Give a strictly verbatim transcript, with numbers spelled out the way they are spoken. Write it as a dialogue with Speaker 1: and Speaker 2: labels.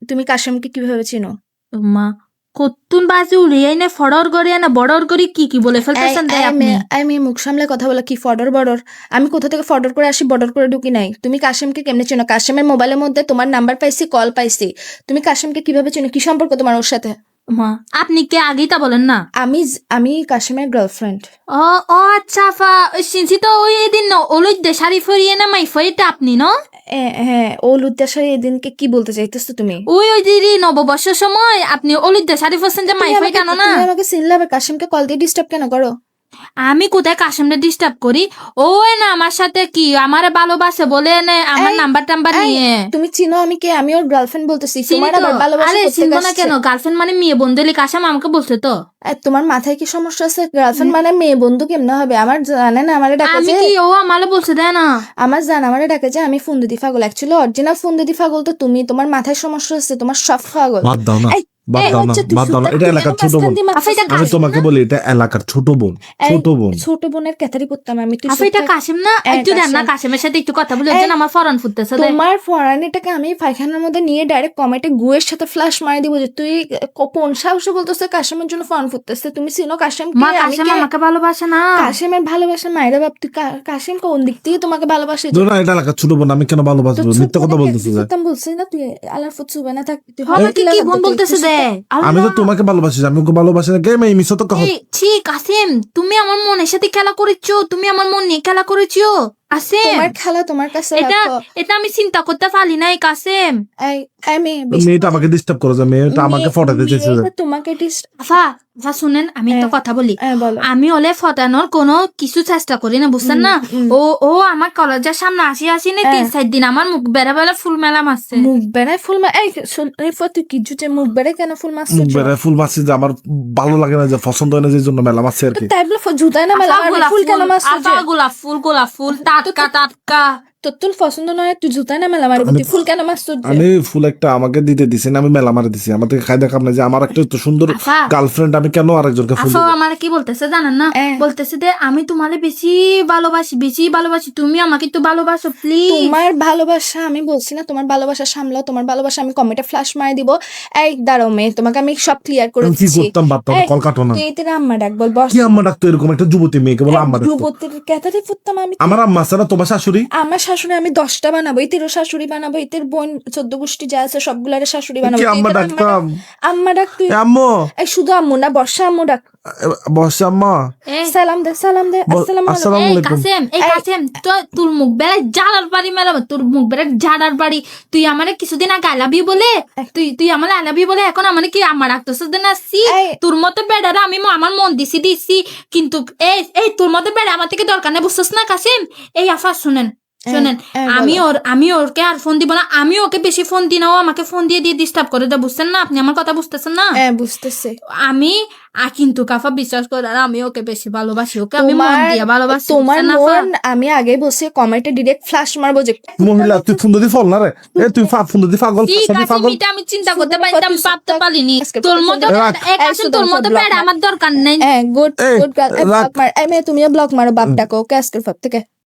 Speaker 1: তুমি কাশেমকে কিভাবে চিনো?
Speaker 2: মা কত্তুন বাজে উড়িয়াই না ফড়র গড়িয়া না বড়র গড়ি কি কি বলে ফেলতেছেন দেয় আপনি।
Speaker 1: আমি মুখ সামলে কথা বলা কি ফডর বর্ডর? আমি কোথা থেকে ফডর করে আসি বর্ডর করে ঢুকি নাই। তুমি কাশেমকে কেমনে চেনো? কাশেমের মোবাইলের মধ্যে তোমার নাম্বার পাইছি, কল পাইছি। তুমি কাশেমকে কিভাবে চেনো? কি সম্পর্ক তোমার ওর সাথে?
Speaker 2: মা আপনি কে আগেই তা বলেন না।
Speaker 1: আমি আমি কাশেমের গার্লফ্রেন্ড।
Speaker 2: ও ও আচ্ছা ফা শুনছি তো ওই এদিন ওলুই দে শাড়ি ফরিয়ে না মাই ফরিটা আপনি ন?
Speaker 1: হ্যাঁ ও লুদ্দাসারি এদিনকে কি বলতে চাইতেছো তুমি?
Speaker 2: ওই ওই দিদি নববর্ষের সময় আপনি ওলুই দে শাড়ি ফরছেন যে মাই ফরি টানো না।
Speaker 1: তুমি আমাকে চিনলে আবার কাশেমকে কল দিয়ে ডিস্টার্ব কেন করো?
Speaker 2: আমি কোথায় কাশেমরে ডিস্টার্ব করি? ও না আমার সাথে কি আমারে ভালোবাসে বলে না আমার নাম্বার টাম্বার নিয়ে।
Speaker 1: তুমি চিনো আমি কে? আমি ওর গার্লফ্রেন্ড বলতেছি। তোমার আবার ভালোবাসা
Speaker 2: আরে
Speaker 1: করতে
Speaker 2: চিনবো না
Speaker 1: আসছে।
Speaker 2: কেন? গার্লফ্রেন্ড মানে মেয়ে বন্ধুলি কাশেম আমাকে বলছে তো।
Speaker 1: তোমার মাথায় কি সমস্যা আছে? গার্লফ্রেন্ড মানে মেয়ে বন্ধু কেমনে হবে? আমার জানে না আমারে ডাকে
Speaker 2: আমি
Speaker 1: যে
Speaker 2: কি ও আমারে বলছে দেয় না।
Speaker 1: আমার জান আমারে ডাকে যে আমি ফোন দিদি পাগল। অ্যাকচুয়ালি অরিজিনাল ফোন দিদি পাগল তো তুমি। তোমার মাথায় সমস্যা আছে, তোমার সব পাগল।
Speaker 3: বাদ দাও না, বাদ দাও না, বাদ দাও না। এটা এলাকার ছোট বোন। আমি তোমাকে বলি এটা এলাকার ছোট বোন, ছোট বোন।
Speaker 1: ছোট বোনের ক্যাথারি পড়তাম আমি। তুই
Speaker 2: আফা এটা কাশেম না? একটু দেন না কাশেমের সাথে একটু কথা বলে যেন আমার ফরান ফুটতেছে।
Speaker 1: তোমার ফরানিটাকে আমি পায়খানার মধ্যে নিয়ে ডাইরেক্ট কমেটে গুয়ের সাথে ফ্লাশ মারি দিব যে তুই কোন সাহসে বলতেছে কাশেমের জন্য ফরান ফুটতেছে। তুমি চিনো কাশেম?
Speaker 2: মা কাশেম আমাকে ভালোবাসে না।
Speaker 1: কাশেমের ভালোবাসা মায়েরা বাপ। তুই কাশেম কোন দিক থেকে তোমাকে ভালোবাসে?
Speaker 3: না এটা এলাকার ছোট বোন, আমি কেন ভালোবাসবো? মিথ্যা কথা বলতেছিস।
Speaker 1: বলছিস না তুই আলার ফুটছুবে না থাক। তুই
Speaker 2: হবে কি কি বোন বলতেছে দে।
Speaker 3: আমি তো তোমাকে ভালোবাসি, আমি ওকে ভালোবাসি না। কে মেয়ে মিছো তো কহ।
Speaker 2: ছি কাসেম তুমি আমার মনের সাথে খেলা করেছো, তুমি আমার মন নিয়ে খেলা করেছো। কাসেম
Speaker 1: তোমার খেলা তোমার কাছে
Speaker 2: এটা এটা আমি চিন্তা করতে পারি নাই কাসেম।
Speaker 1: এই আমি
Speaker 3: মেয়েটা আমাকে ডিস্টার্ব করে, মেয়েটা আমাকে ফটাতে চেয়েছে।
Speaker 1: তোমাকে
Speaker 2: আফা আফা শুনেন আমি একটা কথা বলি। আমি ওলে ফটানোর কোনো কিছু চেষ্টা করি না, বুঝছেন না? ও ও আমার কলেজের সামনে আসি আসি না তিন চার দিন আমার মুখ বেড়া বেড়া ফুল মেলা মারছে।
Speaker 1: মুখ বেড়ায় ফুল মা এই তুই কি জুটে মুখ বেড়ায় কেন ফুল মারছিস?
Speaker 3: মুখ বেড়ায় ফুল মারছি যে আমার ভালো লাগে না, যে পছন্দ হয় না, যে জন্য মেলা মারছি আর কি।
Speaker 1: তাই বলে জুতায় না মেলা ফুল কেন মারছিস?
Speaker 2: আফা গোলাপ ফুল গোলাপ ফুল টাটকা টাটকা।
Speaker 1: তোর তোর পছন্দ নয় তুই জুতায় না মেলা মারবি, তুই ফুল কেন মারছিস?
Speaker 3: আমি ফুল একটা আমাকে দিতে দিছি না, আমি মেলা মারে দিছি। আমার থেকে খাই দেখাম না যে আমার একটা তো সুন্দর গার্লফ্রেন্ড, আমি কেন আরেকজনকে ফুল দেব?
Speaker 2: আমার কি বলতেছে জানেন না? বলতেছে যে আমি তোমারে বেশি ভালোবাসি, বেশি ভালোবাসি, তুমি আমাকে একটু ভালোবাসো প্লিজ।
Speaker 1: তোমার ভালোবাসা আমি বলছি না, তোমার ভালোবাসা সামলাও। তোমার ভালোবাসা আমি কমেন্টে ফ্ল্যাশ মারি দিব। এই দাঁড়াও মেয়ে, তোমাকে আমি সব ক্লিয়ার করে দিচ্ছি।
Speaker 3: কি করতাম বাদ দাও, কল কাটো না।
Speaker 1: তুই এতে আম্মা ডাক বল বস।
Speaker 3: কি আম্মা ডাকতো? এরকম একটা যুবতী মেয়েকে বলে আম্মা ডাকতো?
Speaker 1: যুবতীর ক্যাথারি ফুটতাম আমি।
Speaker 3: আমার আম্মা আছে না, তোমার শাশুড়ি?
Speaker 1: আমার শাশুড়ি আমি দশটা বানাবো, ইতেরও শাশুড়ি বানাবো, ইতের বোন চোদ্দ গোষ্ঠী যা আছে সবগুলার শাশুড়ি বানাবো।
Speaker 3: কি আম্মা ডাকতাম?
Speaker 1: আম্মা ডাক তুই
Speaker 3: আম্মু।
Speaker 1: এই শুধু আম্মু না, বর্ষা আম্মু ডাক।
Speaker 3: বর্ষা আম্মা
Speaker 1: সালাম দে সালাম দে। আসসালামু আলাইকুম।
Speaker 2: কাসেম এই কাসেম তো তোর মুখ বেড়ায় জাড়ার বাড়ি মেলা, তোর মুখ বেড়ায় জাড়ার বাড়ি। তুই আমারে কিছুদিন আগে আই লাভ ইউ বলে তুই তুই আমার আই লাভ ইউ বলে এখন আমার কি আমার রাখতেছ না? সি তোর মতো বেড়ারা আমি আমার মন দিছি দিছি, কিন্তু এই এই তোর মতো বেড়া আমার থেকে দরকার নেই, বুঝছস না কাসেম? এই আফা শুনেন শোনেন, আমি ওর আমি ওরকে আর ফোন দিব না। আমি ওকে বেশি ফোন দিই না, ও আমাকে ফোন দিয়ে দিয়ে ডিস্টার্ব করে দেয়, বুঝছেন না? আপনি আমার কথা বুঝতেছেন না?
Speaker 1: হ্যাঁ বুঝতেছি
Speaker 2: আমি কিন্তু কাফা বিশ্বাস করে আর আমি ওকে বেশি ভালোবাসি, ওকে আমি মন দিয়ে ভালোবাসি।
Speaker 1: তোমার মন আমি আগে বসে কমেন্টে ডিরেক্ট ফ্ল্যাশ মারবো যে
Speaker 3: মহিলা তুই ফোন দিদি ফল না রে, এ তুই ফোন দিদি পাগল
Speaker 2: পাগল। আমি চিন্তা করতে পারতাম, ভাবতে পারিনি তোর মতো তোর মতো প্যাড আমার দরকার নেই।
Speaker 1: Good good girl. তুমিও ব্লক মারো বাপ ডাকো ওকে আজকের পর থেকে।